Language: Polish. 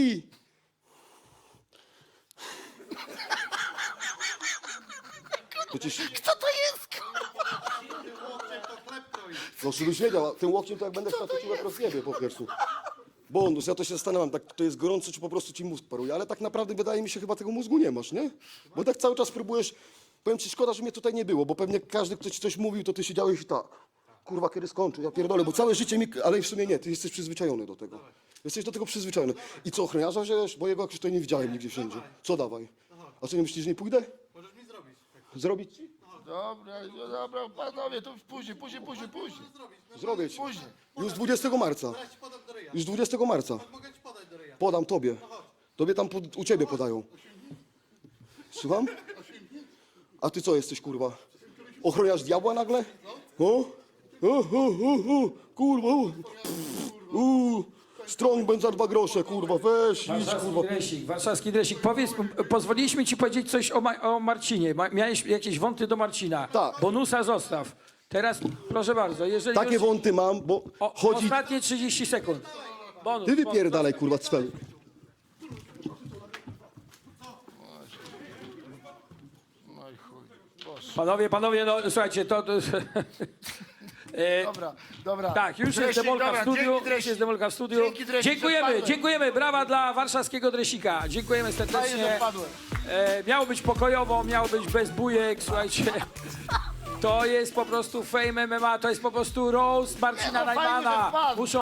kij! Kto to jest? No żebyś wiedział, a tym łokciem to jak będę chciał, to ci łeb rozjebie po prostu. Bonus, ja to się zastanawiam, tak to jest gorąco, czy po prostu ci mózg paruje, ale tak naprawdę wydaje mi się, chyba tego mózgu nie masz, nie? Bo tak cały czas próbujesz, powiem ci, szkoda, że mnie tutaj nie było, bo pewnie każdy, kto ci coś mówił, to ty siedziałeś i tak. Kurwa, kiedy skończy, ja pierdolę, bo całe życie mi, ale w sumie nie, ty jesteś przyzwyczajony do tego. Jesteś do tego przyzwyczajony. I co, ochroniarza wziąłeś? Bo jego jakoś tutaj nie widziałem nigdzie wszędzie. Co dawaj? A co, nie myślisz, że nie pójdę? Możesz mi zrobić. Zrobić ci? Dobra, panowie, to później. Zrobię ci. Później. Już 20 marca. Ja ci podam do ryja. Już 20 marca. Mogę ci podać do ryja. Podam tobie. Tobie tam u ciebie podają. Słucham? A ty co jesteś, kurwa? Ochroniarz diabła nagle? O? Kurwa. Strong będzie za 2 grosze, kurwa. Weź, idź, kurwa. Warszawski Dresik, powiedz, pozwoliliśmy ci powiedzieć coś o Marcinie. Miałeś jakieś wąty do Marcina. Tak. Bonusa zostaw. Teraz, proszę bardzo, jeżeli Takie już... wąty mam, bo chodzi... Ostatnie 30 sekund. Bonus. Ty wypierdalaj, kurwa, cwelu. No i chuj. Boże. Panowie, no słuchajcie, to Dobra. tak, już jest Dresik, demolka w dobra, studiu. dzięki, Już Dresik. jest demolka w studiu. Dzięki, Dresik, Dziękujemy, odpadłem. dziękujemy. Brawa dla warszawskiego Dresika. Dziękujemy Fajnie, serdecznie. że wpadłem. Miało być pokojowo, miało być bez bujek, słuchajcie. To jest po prostu Fame MMA, to jest po prostu roast Marcina Nie, no, fajnie, że Najmana. wpadł. Muszą